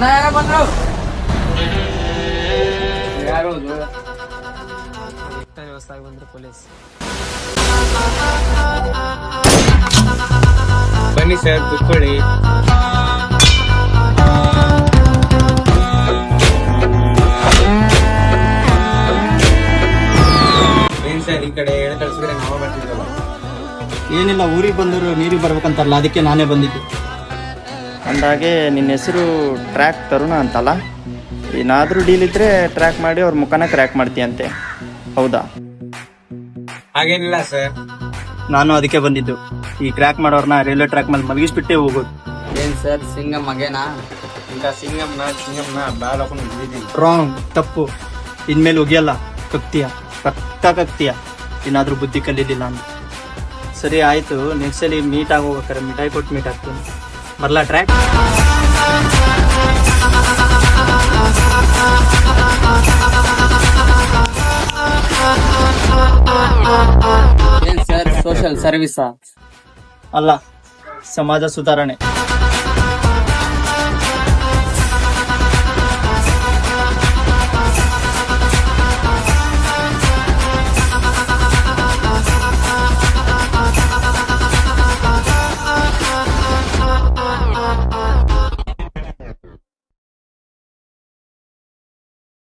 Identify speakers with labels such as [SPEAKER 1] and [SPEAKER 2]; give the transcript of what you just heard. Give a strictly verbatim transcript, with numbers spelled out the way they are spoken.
[SPEAKER 1] ಜನ ಯಾರ ಬಂದ್ರು? ಯಾರು
[SPEAKER 2] ಹೊಸದಾಗಿ ಬಂದ್ರು ಪೊಲೀಸ್.
[SPEAKER 3] ಬನ್ನಿ ಸರ್ ಕೂತ್ಕೊಳ್ಳಿ. ಏನ್ ಸರ್ ಈ ಕಡೆ ಹೇಳಿ ಕಳ್ಸಿದ್ರೆ ನಾವು ಬರ್ತಿದ್ರಲ್ಲ.
[SPEAKER 4] ಏನಿಲ್ಲ, ಊರಿಗೆ ಬಂದರು ನೀರಿಗೆ ಬರ್ಬೇಕಂತಾರಲ್ಲ, ಅದಕ್ಕೆ ನಾನೇ ಬಂದಿದ್ದು.
[SPEAKER 5] ಅಂದಾಗೆ ನಿನ್ನ ಹೆಸರು ಟ್ರ್ಯಾಕ್ ತರುಣ ಅಂತಲ್ಲ, ಏನಾದರೂ ಡೀಲ್ ಇದ್ರೆ ಟ್ರ್ಯಾಕ್ ಮಾಡಿ ಅವ್ರ ಮುಖನ ಕ್ರ್ಯಾಕ್ ಮಾಡ್ತೀಯಂತೆ, ಹೌದಾ?
[SPEAKER 3] ಹಾಗೇನಿಲ್ಲ ಸರ್.
[SPEAKER 4] ನಾನು ಅದಕ್ಕೆ ಬಂದಿದ್ದು. ಈ ಕ್ರ್ಯಾಕ್ ಮಾಡೋರ್ನ ರೈಲ್ವೆ ಟ್ರ್ಯಾಕ್ ಮೇಲೆ ಮಲಗಿಸ್ಬಿಟ್ಟೆ ಹೋಗೋದು.
[SPEAKER 1] ಏನ್ ಸರ್ ಸಿಂಗ ಮಗೇನಾ?
[SPEAKER 3] ಇಂಥ ಸಿಂಗಮ್ನ ಸಿಂಗಮ್ನ ಬಾಲ್ ಹಾಕೊಂಡು ಬಿದ್ದಿದ್ದೀನಿ.
[SPEAKER 4] ರಾಂಗ್, ತಪ್ಪು. ಇನ್ಮೇಲೆ ಒಗಿಯಲ್ಲ, ಕಕ್ತೀಯ, ಪಕ್ಕ ಕಕ್ತೀಯ. ಏನಾದರೂ ಬುದ್ಧಿ ಕಲಿಲಿಲ್ಲ ಅಂತ. ಸರಿ ಆಯಿತು, ನೆಕ್ಸ್ಟ್ ಸಲ ಮೀಟ್ ಆಗೋಗ್ಬೇಕಾರೆ ಮಿಠಾಯಿ ಕೊಟ್ಟು ಮೀಟ್ ಆಗ್ತೀನಿ. ಬರಲಾ ಟ್ರ್ಯಾಕ್?
[SPEAKER 1] ಏನ್ ಸರ್ ಸೋಷಿಯಲ್ ಸರ್ವಿಸಾ?
[SPEAKER 4] ಅಲ್ಲ, ಸಮಾಜ ಸುಧಾರಣೆ.